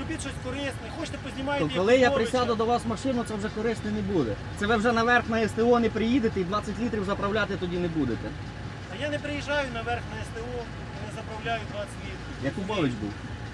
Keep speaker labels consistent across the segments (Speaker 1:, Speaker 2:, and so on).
Speaker 1: зробіть щось корисне, хочете познімайте.
Speaker 2: То коли я присяду до вас в машину, це вже корисно не буде. Це ви вже наверх на СТО не приїдете і 20 літрів заправляти тоді не будете.
Speaker 1: А я не приїжджаю наверх на СТО, не заправляю 20 літрів.
Speaker 2: Якубович був.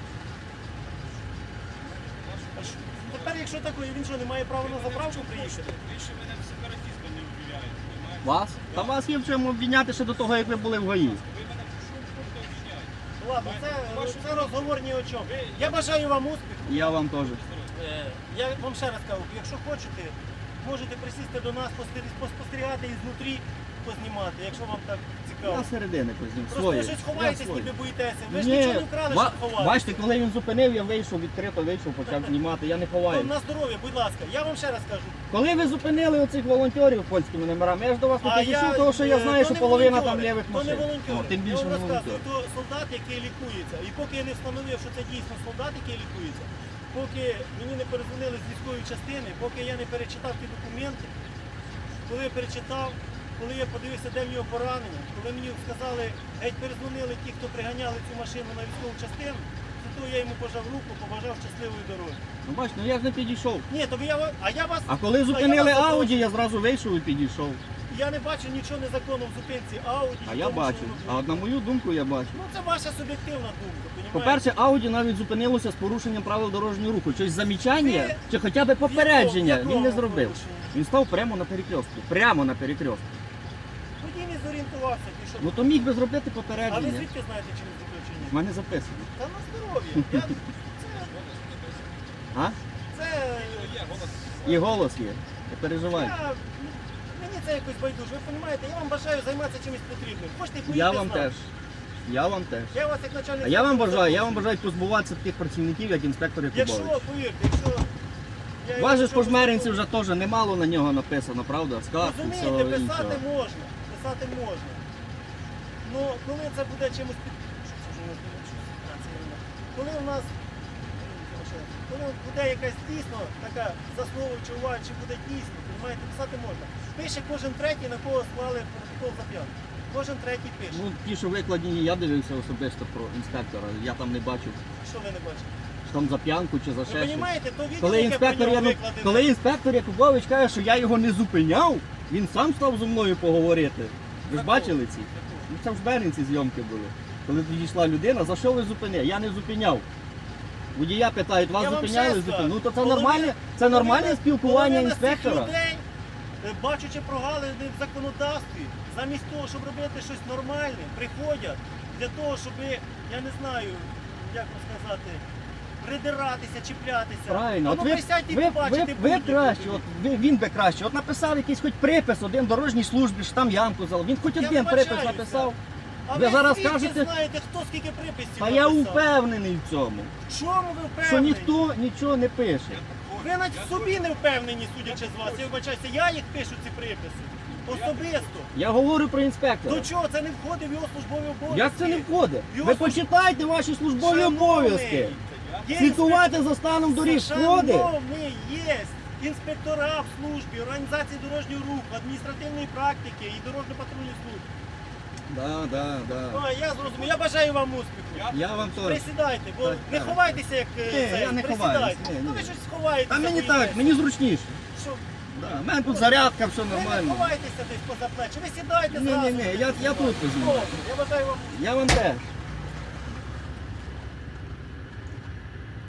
Speaker 1: Тепер, якщо такое, він що, не має права на заправку приїхати?
Speaker 3: Ви ще мене сепаратистом не обвиняєте, розумієте?
Speaker 2: Вас? Та вас є в чому обвиняти ще до того, як ви були в ГАІ.
Speaker 3: Ви мене в чому пункту обвиняєте?
Speaker 1: Ладно, це розговор ні о чому. Я бажаю вам успіху.
Speaker 2: І я вам теж.
Speaker 1: Я вам ще раз кажу, якщо хочете, можете присісти до нас, поспостерігати ізнутрі, познімати, якщо вам так цікаво.
Speaker 2: Я середини познім.
Speaker 1: Просто
Speaker 2: Своє.
Speaker 1: ви щось ховаєтесь,
Speaker 2: Я своє.
Speaker 1: ніби боїтеся. Ви ж
Speaker 2: Ні,
Speaker 1: нічого не вкрали, що ховаєте.
Speaker 2: бачите, коли він зупинив, я вийшов, відкрито вийшов, почав знімати, я не ховаю.
Speaker 1: На здоров'я, будь ласка, я вам ще раз кажу.
Speaker 2: Коли ви зупинили оцих волонтерів польськими номерами, я ж до вас не
Speaker 1: А
Speaker 2: підійшов, тому що я знаю,
Speaker 1: то
Speaker 2: що
Speaker 1: не
Speaker 2: половина
Speaker 1: волонтери,
Speaker 2: там лівих
Speaker 1: то не
Speaker 2: машин.
Speaker 1: волонтери.
Speaker 2: О, тим
Speaker 1: Я
Speaker 2: більше
Speaker 1: вам
Speaker 2: не
Speaker 1: розказую,
Speaker 2: волонтер.
Speaker 1: то солдат, який лікується. І поки я не встановив, що це дійсно солдат, який лікується, поки мені не перезвонили з військової частини, поки я не перечитав ті документи, коли я перечитав, коли я подивився, де в нього поранення, коли мені сказали, геть перезвонили ті, хто приганяли цю машину на військову частину, то я йому пожав руку, побажав щасливої дороги.
Speaker 2: Ну бачите, ну я ж не підійшов.
Speaker 1: Ні, то я вас...
Speaker 2: А коли зупинили
Speaker 1: я вас
Speaker 2: Ауді, я зразу вийшов і підійшов.
Speaker 1: Я не бачу нічого незаконного в зупинці Ауді.
Speaker 2: А я бачу. А от на мою думку я бачу.
Speaker 1: Ну це ваша суб'єктивна думка, понімаєте?
Speaker 2: По-перше, Ауді навіть зупинилося з порушенням правил дорожнього руху. Щось замічання
Speaker 1: Ви-
Speaker 2: чи хоча б попередження
Speaker 1: в якому
Speaker 2: він не зробив.
Speaker 1: порушенні?
Speaker 2: Він став прямо на перекрестку. Прямо на перекрестку.
Speaker 1: Водій не зорієнтувався, пішов.
Speaker 2: Ну то міг би зробити
Speaker 1: А ви
Speaker 2: попередження.
Speaker 1: звідки знаєте, чи не зробив, чи ні?
Speaker 2: В мене записано.
Speaker 1: Та на здоров'я.
Speaker 2: А?
Speaker 1: Це...
Speaker 3: Є голос.
Speaker 2: І голос є. Не переживай.
Speaker 1: Мені це якось байдуже. Ви розумієте, я вам бажаю займатися чимось потрібним. Хочете поїдьте
Speaker 2: Я
Speaker 1: з
Speaker 2: вам
Speaker 1: нами.
Speaker 2: теж. Я вам теж.
Speaker 1: Я вас як начальник...
Speaker 2: А я вам
Speaker 1: служби
Speaker 2: бажаю
Speaker 1: запрошую.
Speaker 2: позбуватися таких працівників, як інспектор
Speaker 1: Якщо,
Speaker 2: Якубович.
Speaker 1: повірте, якщо... я його
Speaker 2: Вас же ж
Speaker 1: нічого
Speaker 2: по жмеринці
Speaker 1: не
Speaker 2: вже теж немало на нього написано, правда? Скарг і
Speaker 1: розумієте,
Speaker 2: всього
Speaker 1: писати
Speaker 2: іншого.
Speaker 1: можна. Писати можна. Ну, коли це буде чимось під... Що це вже у нас буде? А, це ерунда. Коли у нас... Коли буде якась дійсно така заслуговуюча увага, чи буде дійсно, розумієте, писати можна. Пише кожен третій, на кого склали протокол за п'янку. Кожен третій пише.
Speaker 2: Ну, ті, що викладені, я дивився особисто про інспектора. Я там не бачив,
Speaker 1: Що ви не бачите?
Speaker 2: що там за п'янку чи за
Speaker 1: Ви
Speaker 2: ще щось.
Speaker 1: розумієте, то відео,
Speaker 2: Коли
Speaker 1: яке
Speaker 2: інспектор,
Speaker 1: про нього
Speaker 2: я,
Speaker 1: викладене.
Speaker 2: коли інспектор Якубович каже, що я його не зупиняв, він сам став зі мною поговорити. Ви ж
Speaker 1: Такого.
Speaker 2: бачили ці? Ну, це в Жмеринці зйомки були. Коли підійшла людина, за що ви зупинили? Я не зупиняв. Водія питають, вас
Speaker 1: Я вам
Speaker 2: зупиняли,
Speaker 1: ще
Speaker 2: зупиняли.
Speaker 1: скажу.
Speaker 2: Ну то це
Speaker 1: Половина-
Speaker 2: нормальне, це нормальне
Speaker 1: половина-
Speaker 2: спілкування
Speaker 1: половина з цих
Speaker 2: інспектора.
Speaker 1: людей, бачачи прогалини в законодавстві, замість того, щоб робити щось нормальне, приходять для того, щоб, я не знаю, як вам сказати, придиратися, чіплятися.
Speaker 2: Правильно,
Speaker 1: А
Speaker 2: от
Speaker 1: ну
Speaker 2: ви,
Speaker 1: присядьте і
Speaker 2: ви,
Speaker 1: побачите
Speaker 2: ви
Speaker 1: будь-яку
Speaker 2: краще,
Speaker 1: людину.
Speaker 2: він би краще. От написав якийсь хоч припис один дорожній службі, що там ямку залив. Він хоч
Speaker 1: Я
Speaker 2: один припис
Speaker 1: вибачаюся.
Speaker 2: написав.
Speaker 1: А
Speaker 2: ви зараз
Speaker 1: звідки
Speaker 2: кажете-
Speaker 1: знаєте, хто скільки приписів
Speaker 2: Та я
Speaker 1: написав?
Speaker 2: впевнений в цьому,
Speaker 1: В чому ви
Speaker 2: що
Speaker 1: впевнені?
Speaker 2: ніхто нічого не пише.
Speaker 1: Ви навіть в собі не впевнені, судячи з вас. Я вибачаюся, я їх пишу, ці приписи. Особисто.
Speaker 2: Я говорю про інспектора.
Speaker 1: До чого? Це не входить в його службові обов'язки.
Speaker 2: Як це не входить?
Speaker 1: Його
Speaker 2: Ви
Speaker 1: служ-
Speaker 2: почитайте ваші службові
Speaker 1: Шановний,
Speaker 2: обов'язки.
Speaker 1: є
Speaker 2: Слідкувати за станом доріг входить.
Speaker 1: Шановний, є інспектора в службі, організації дорожнього руху, адміністративної практики і дорожньо-патрульної служби.
Speaker 2: Да.
Speaker 1: Ну, я зрозумів. Я бажаю вам успіху.
Speaker 2: Я вам теж.
Speaker 1: Присідайте, бо
Speaker 2: Так,
Speaker 1: не
Speaker 2: так.
Speaker 1: ховайтеся, як це.
Speaker 2: я не
Speaker 1: Присідайте.
Speaker 2: ховаюсь, ні,
Speaker 1: Ну ви
Speaker 2: ні.
Speaker 1: щось ховаєтеся.
Speaker 2: А мені
Speaker 1: боїтеся.
Speaker 2: так, мені зручніше.
Speaker 1: Що?
Speaker 2: Да. У мене тут зарядка, все
Speaker 1: Ви не
Speaker 2: нормально.
Speaker 1: ховайтеся десь поза плечі. Ви сідайте зразу.
Speaker 2: Ні, я тут візьму.
Speaker 1: Добре, я бажаю вам
Speaker 2: Я вам теж.